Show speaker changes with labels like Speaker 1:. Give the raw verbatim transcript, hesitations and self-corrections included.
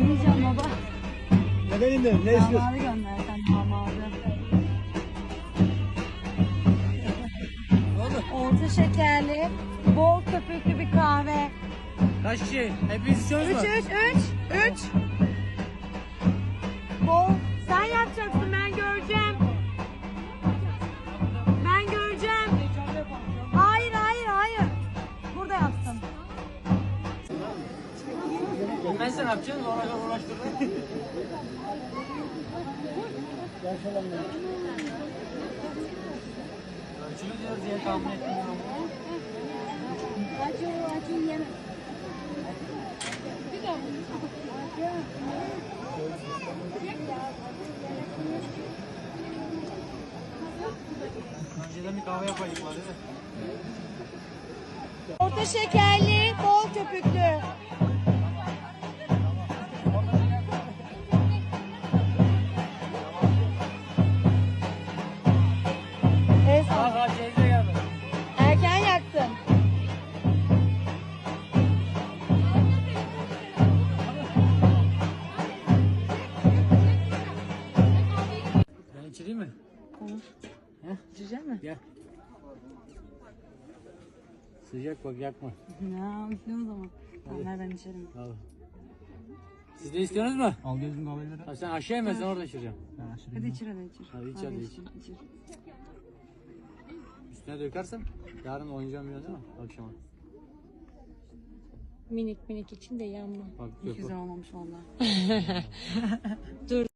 Speaker 1: İnmeyeceğim baba.
Speaker 2: Neden indin? Ne istiyorsun?
Speaker 1: Damadı gönder sen damadı.
Speaker 2: Ne oldu?
Speaker 1: Orta şekerli, bol köpüklü bir kahve.
Speaker 2: Kaç kişi? Hepiniz istiyorsunuz
Speaker 1: Üç,
Speaker 2: mu?
Speaker 1: üç, üç, üç. Bol. Sen yapacaksın, ben göreceğim. Ben göreceğim. Hayır, hayır, hayır. Burada yapsın.
Speaker 2: Bilmezsen ne yapacaksın? Ona uğraştırma. Ölçülü diyoruz diye tahmin etmiyorum.
Speaker 3: Acı acı yeme.
Speaker 2: Önceden bir kahve yapaydık var değil mi?
Speaker 1: Orta şekerli, bol köpüklü. Evet,
Speaker 2: Aa, ha, teyze geldi.
Speaker 1: erken yaktın.
Speaker 2: Ben içireyim mi?
Speaker 1: Olur.
Speaker 2: He?
Speaker 1: İçecek mi?
Speaker 2: Gel. Sıcak bak yakma.
Speaker 1: Ya, üflüyorum o zaman. Tamam, ver ben içerim.
Speaker 2: Al. Siz de istiyorsunuz mu?
Speaker 4: Al gözüm kahveleri.
Speaker 2: Ha, sen aşağı inmezsen orada içireceğim.
Speaker 4: Ben aşırı
Speaker 1: Hadi içir, hadi içir.
Speaker 2: Hadi iç, hadi iç.
Speaker 1: içir.
Speaker 2: Üstüne dökersem yarın oynayacağım biraz değil mi? Akşama.
Speaker 5: Minik minik için de yanma.
Speaker 2: Bak
Speaker 1: Hiç
Speaker 2: dök
Speaker 1: güzel
Speaker 2: bak.
Speaker 1: olmamış vallahi.
Speaker 5: Dur.